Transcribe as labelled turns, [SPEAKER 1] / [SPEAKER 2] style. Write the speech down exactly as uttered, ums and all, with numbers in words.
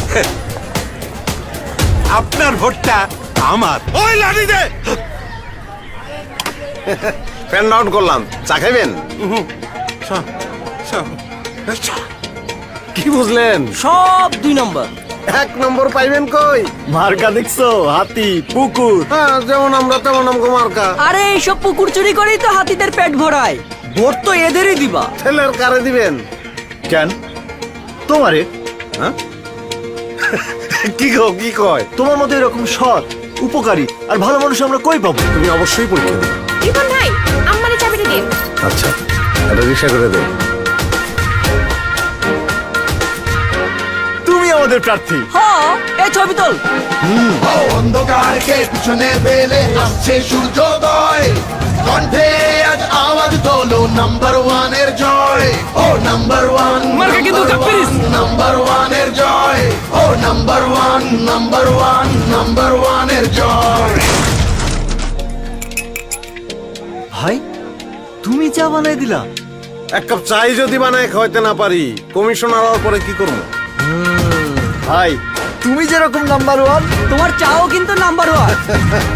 [SPEAKER 1] আপনার ভোটটা আমার।
[SPEAKER 2] ওই লাঠি দে। ফ্যান ডাউন করলাম, চা খাইবেন? কি বুঝলেন?
[SPEAKER 3] সব দুই নম্বর।
[SPEAKER 2] এক নম্বর পাইবেন কই?
[SPEAKER 4] মার্কা দেখছো? হাতি, পুকুর।
[SPEAKER 2] হ্যাঁ, যেমন আমরা তেমন আমগো মার্কা।
[SPEAKER 3] আরে এইসব পুকুর চুরি করেই তো হাতিদের পেট ভরায়। ভোট তো এদেরই দিবা।
[SPEAKER 2] ছেলের কারে দিবেন?
[SPEAKER 4] কেন তোমারে?
[SPEAKER 2] হ্যাঁ? কি গো, কি কয়?
[SPEAKER 4] তোমার মতো এরকম সৎ, উপকারী আর ভালো মানুষ আমরা কই পাবো?
[SPEAKER 2] তুমি অবশ্যই পরীক্ষা দিবে।
[SPEAKER 5] রিপন ভাই, আম্মারে চাবিটা দিন।
[SPEAKER 2] আচ্ছা, এটা রিক্সা করে দেব।
[SPEAKER 4] তুমি আমাদের প্রার্থী।
[SPEAKER 3] হ্যাঁ, এই ছবি তোল।
[SPEAKER 6] অন্ধকারকে পিছনে ফেলে আসছে সূর্যোদয়, কণ্ঠে আজ আওয়াজ তোলো নাম্বার ওয়ানের জয়। ও নাম্বার ওয়ান,
[SPEAKER 3] মার্কা কিন্তু কাপ্পিরিস।
[SPEAKER 6] নাম্বার ওয়ানের জয়। ও number one, number one, number ওয়ানের জয়।
[SPEAKER 4] ভাই, তুমি চা বানাই দিলা?
[SPEAKER 2] এক কাপ চাই যদি বানায় খাওয়াইতে না পারি, কমিশনার হওয়ার পরে কি করবো?
[SPEAKER 4] ভাই, তুমি যেরকম নাম্বার ওয়ান,
[SPEAKER 3] তোমার চাও কিন্তু নাম্বার ওয়ান।